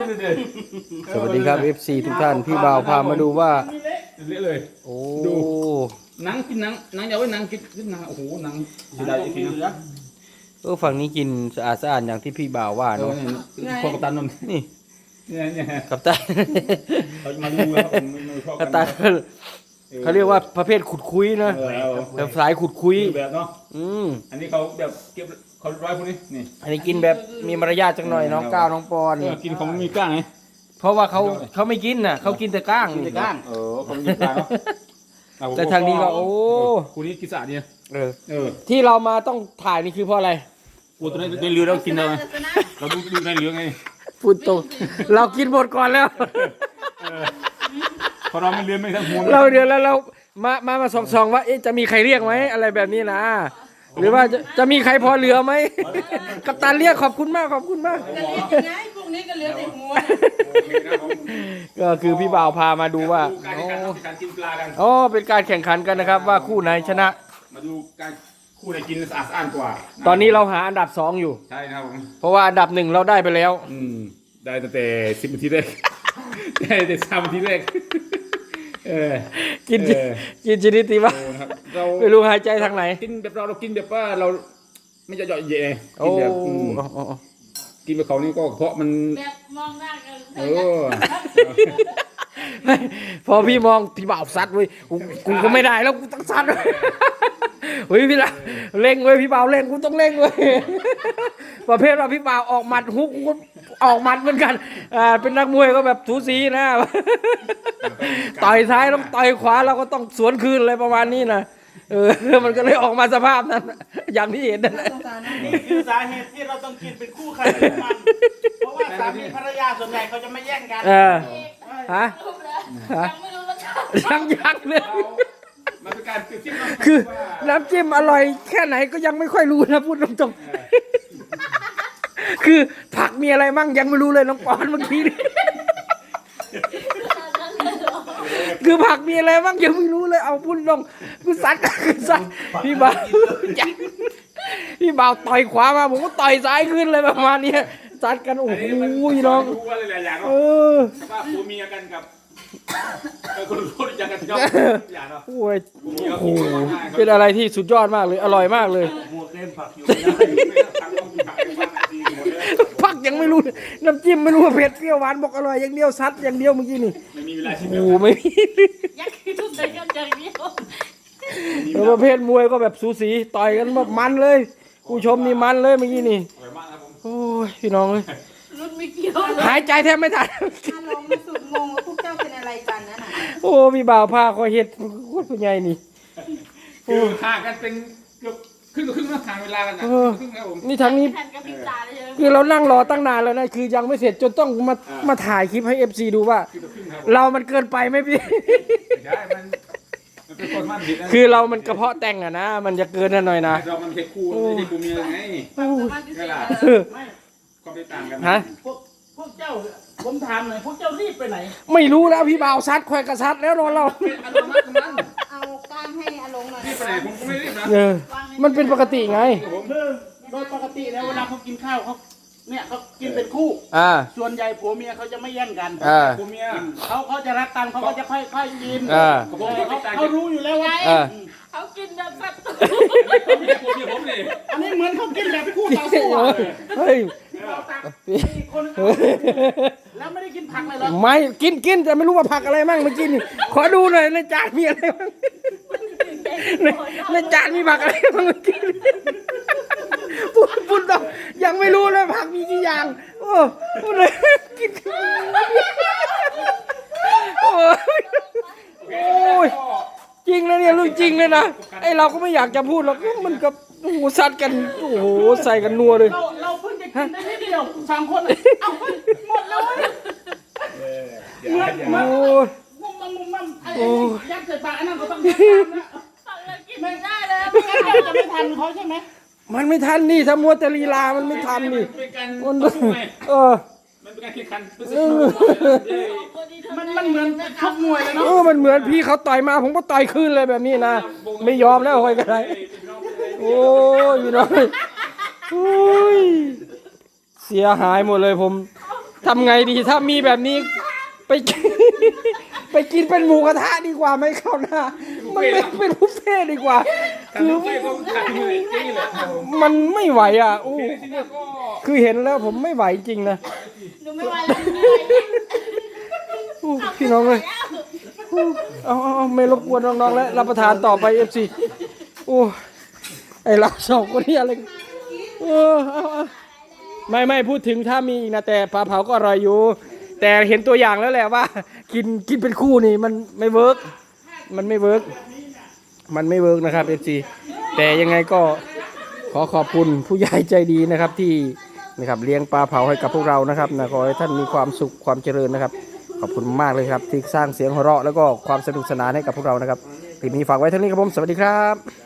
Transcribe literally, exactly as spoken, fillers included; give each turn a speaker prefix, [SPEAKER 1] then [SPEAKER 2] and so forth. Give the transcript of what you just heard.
[SPEAKER 1] สวัสดีครับ เอฟ ซี ทุกท่านพี่บ่าวพามาดูว่า
[SPEAKER 2] เละเลย
[SPEAKER 1] โอ้
[SPEAKER 2] ดูหนังกินหนังหนังอย่าไว้หนังกินกินหนังโอ้โหหนังเสียดายจริงๆนะ
[SPEAKER 1] เออฝั่งนี้กินสะอาดสะอาดอย่างที่พี่บ่าวว่าเนาะ
[SPEAKER 2] พอกัปตันนน
[SPEAKER 1] นี่
[SPEAKER 2] เนี่ยเนี่ย
[SPEAKER 1] กัปตัน
[SPEAKER 2] เขาจะมาดูครับผม
[SPEAKER 1] กัปตันเขาเรียกว่าประเภทขุดคุยนะแบบสายขุดคุย
[SPEAKER 2] แบบเนาะ
[SPEAKER 1] อืม
[SPEAKER 2] อันนี้เขาแบบเก็บเขาร้อยพวกนี้นี่
[SPEAKER 1] อันนี้กินแบบมีมารยาทจังหน่อยน้องก้าวน้องปอน
[SPEAKER 2] กินของมีก้างไง
[SPEAKER 1] เพราะว่าเขาเขาไม่กินน่ะเขากินแต่ก้าง
[SPEAKER 2] กินแต่ก้างเออเขาไม่กินก้าง
[SPEAKER 1] แต่ทางนี้ก็โอ้
[SPEAKER 2] คู่นี้กินสะอาดเนี่ย
[SPEAKER 1] เออเออที่เรามาต้องถ่ายนี่คือเพราะอะไร
[SPEAKER 2] กูตัวนี้ในเรือเรากินเลยเราดูดูในเรือไง
[SPEAKER 1] พูดตรงเรากินหมดก่อนแล้ว
[SPEAKER 2] พอเราไม่เรือไม่ทั้งหัว
[SPEAKER 1] เราเดือนแล้วเรามามามาส่องๆว่าจะมีใครเรียกไหมอะไรแบบนี้นะหรือว่าจะจะมีใครพอเหลือไหมกัปตันเรียกขอบคุณมากขอบคุณมาก
[SPEAKER 3] จะเรียกยังไงพวกนี้ก็เหลือแต่หัว
[SPEAKER 1] ก็คือพี่บ่าวพามาดูว่าโอ้เป็นการแข่งขันกันนะครับว่าคู่ไหนชนะ
[SPEAKER 2] มาดูการคู่ไหนกินสะอาดสะอ้านกว่า
[SPEAKER 1] ตอนนี้เราหาอันดับสองอยู่
[SPEAKER 2] ใช่ครับผม
[SPEAKER 1] เพราะว่าอันดับหนึ่งเราได้ไปแล้ว
[SPEAKER 2] อืมได้ตั้งแต่สิบนาทีแรกได้แต่สามนาทีแรกเออ
[SPEAKER 1] กินกินชนิดที่ว่า
[SPEAKER 2] เรา
[SPEAKER 1] ไม่รู้หายใจทางไหน
[SPEAKER 2] กินแบบเราเรากินแบบว่าเราไม่จะเจาะเย่กินแบบกินแบบเขานี่ก็เพราะมัน
[SPEAKER 3] แบบมองหน้ากัน
[SPEAKER 2] เออ
[SPEAKER 1] พอพี่มองพี่บ่าวซัดเว้ยกูก็ไม่ได้แล้วกูต้องซัดเฮ้ยพี่ละเร่งเว้ยพี่บ่าวเร่งกูต้องเร่งเว้ยประเภทว่าพี่บ่าวออกหมัดฮุกออกหมัดเหมือนกันอ่าเป็นนักมวยก็แบบสูสีนะต่อยซ้ายต้องต่อยขวาเราก็ต้องสวนคืนอะไรประมาณนี้นะเออมันก็เลยออกมาสภาพนั้นอย่างที่เห็นนั่นแหละ
[SPEAKER 3] นี่คือสาเหตุที่เราต้องกินเป็นคู่ใครเป็นมันเพราะว่าสามีภรรยาส่วนใหญ่เขาจะไม่แย่งกัน
[SPEAKER 1] เออฮะ
[SPEAKER 3] ยังไม่รู้รสชาติ
[SPEAKER 1] ยังยังเลยคือน้ำจิ้มอร่อยแค่ไหนก็ยังไม่ค่อยรู้นะพูดตรงๆคือผักมีอะไรมั่งยังไม่รู้เลยน้องปอนเมื่อกี้นี่คือผักมีอะไรบ้างยังไม่รู้เลยเอาพูดตรงกูซัดกูซัดพี่บ่าวพี่บ่าวต่อยขวามาผมก็ต่อยซ้ายขึ้นเลยประมาณนี้ซัดกันโอ้โหน้อง
[SPEAKER 2] เออว่าผัวเมียกันกับคนรู้จักกันยอมอย่าเนาะโอ้
[SPEAKER 1] โหเป็นอะไรที่สุดยอดมากเลยอร่อยมากเลยผักยังไม่รู้น้ำจิ้มไม่รู้ว่าเผ็ดเปรี้ยวหวานบอกอร่อยอย่างเดียวซัดอย่างเดียวเมื่อกี้นี่
[SPEAKER 2] ไม่มีเวลาชิม
[SPEAKER 1] โอ้ไม่มี
[SPEAKER 3] อยากกินทุกอย่างอย่างเดียว
[SPEAKER 1] แล้วประเภทมวยก็แบบสูสีต่อยกันแบบมันเลยผู้ชมนี่มันเลยเมื่อกี้นี่โอ้ยพี่น้องเลยหายใจแทบไม่ทัน
[SPEAKER 3] อารมณ์สุดงงว่าพวกเจ้าเป็นอะไรกันนั่นน่ะ
[SPEAKER 1] โอ้พี่บ่าวผ้าคอยเห็ดโคตรใหญ่นี่
[SPEAKER 2] คือห่างกันเป็นเกือบครึ่งกับครึ่งนะห่างเวลากันนะครึ่งครับผม
[SPEAKER 1] นี่ทั้งนี้คือเรานั่งรอตั้งนานแล้วนะคือยังไม่เสร็จจนต้องมามาถ่ายคลิปให้ เอฟ ซี ดูว่าเรามันเกินไปไหมพี่คือเรามันกระเพาะแต่งอะนะมันจะเกินหน่อยนะ
[SPEAKER 2] เรามันเผ็ดคู่ไม่ใช่คู่เมียไงก็ไปต่างกัน
[SPEAKER 1] ฮะ
[SPEAKER 3] พวกพวกเจ้าผมถามหน่อยพวกเจ้ารีบไปไหน
[SPEAKER 1] ไม่รู้แล้วพี่บ่าวซัดควายกระซัดแล้วรอเรา
[SPEAKER 3] เอาก้านให้อารมณ์หน่อย
[SPEAKER 2] รีบไปไหนผมก็ไม่รีบนะ
[SPEAKER 1] เออมันเป็นปกติไง
[SPEAKER 3] โดยปกติแล้วเวลาเขากินข้าวเขาเนี่ยเขากินเป็นคู่
[SPEAKER 1] อ่า
[SPEAKER 3] ส่วนใหญ่ผัวเมียเขาจะไม่แย่งกัน
[SPEAKER 1] อ่า
[SPEAKER 2] ผัวเมีย
[SPEAKER 3] เขาเขาจะรักกันเขาก็จะค่อยๆกิน
[SPEAKER 1] อ่า
[SPEAKER 3] เขารู้อยู่แล้วว่าเขากินแบบสัตว์อันนี้เหมือนเขากินแบบคู่ต่อสู้
[SPEAKER 1] เฮ้ย
[SPEAKER 3] แล้วไม่ได้กินผักเลยหรอ
[SPEAKER 1] ไม่กินกินแต่ไม่รู้ว่าผักอะไรมั่งเมื่อกี้นี่ขอดูหน่อยในจานมีอะไรบ้างในจานมีผักอะไรบ้างเมื่อกี้พูดพูดต่อยังไม่รู้เลยผักมีกี่อย่างโอ้พูดเลยกินโอ้ยจริงนะเนี่ยเรื่องจริงเลยนะไอเราก็ไม่อยากจะพูดหรอกมันกับโอ้โหซัดกันโอ้โหใส่กันนัวเลย
[SPEAKER 3] เราเราเพิ่งจะกินได้นิดเดียวสามคนเอาหมดเลยเหมือนเหมือนมุมมันมุมมันไอ้ยัดใส่ปากอันนั้นก็ต้องทำนะกินไม่ได้เลยไม่งั้นเราจะไม่ทันเขาใช่ไหม
[SPEAKER 1] มันไม่ทันนี่ถ้ามัวแต่ลีลามันไม่ทันนี่
[SPEAKER 2] มัน
[SPEAKER 1] เออ
[SPEAKER 2] มันเป็นการแข่งขัน
[SPEAKER 3] มันมันเหมือนชกมวยเลยเนาะ
[SPEAKER 1] เออมันเหมือนพี่เขาต่อยมาผมก็ต่อยคืนเลยแบบนี้นะไม่ยอมแล้วคอยกันไรโอ้ยน้อยโอ้ยเสียหายหมดเลยผมทำไงดีถ้ามีแบบนี้ไปกิน ไปกินเป็นหมูกระทะดีกว่าไหม่เข้าหน้ามันไม่เป็นบุฟเฟ่ต์ดีกว่า คือ
[SPEAKER 2] พี่ก็ขาดเลยจริงเลยครับผม
[SPEAKER 1] มันไม่ไหวอ่ะอู้
[SPEAKER 2] ทีนี้ก็
[SPEAKER 1] คือเห็นแล้วผมไม่ไหวจริงนะ
[SPEAKER 3] หนูไม่ไหวแล้วเหนื่อย
[SPEAKER 1] อู้พี่น้องเลยอู้เอาเอาเอาไม่รบกวนน้องๆแล้วรับประทานต่อไปเอฟซีโอ้ไอเราสองคนนี้อะไรกันเออเอาเอาไม่ไม่พูดถึงถ้ามีอีกนะแต่ปลาเผาก็อร่อยอยู่ แต่เห็นตัวอย่างแล้วแหละว่า กินกินเป็นคู่นี่มันไม่เวิร์กมันไม่เวิร์กมันไม่เวิร์กนะครับเอฟซีแต่ยังไงก็ขอขอบคุณผู้ใหญ่ใจดีนะครับที่นะครับเลี้ยงปลาเผาให้กับพวกเรานะครับนะขอให้ท่านมีความสุขความเจริญนะครับขอบคุณมากเลยครับที่สร้างเสียงหัวเราะแล้วก็ความสนุกสนานให้กับพวกเรานะครับคลิปนี้ฝากไว้เท่านี้ครับผมสวัสดีครับ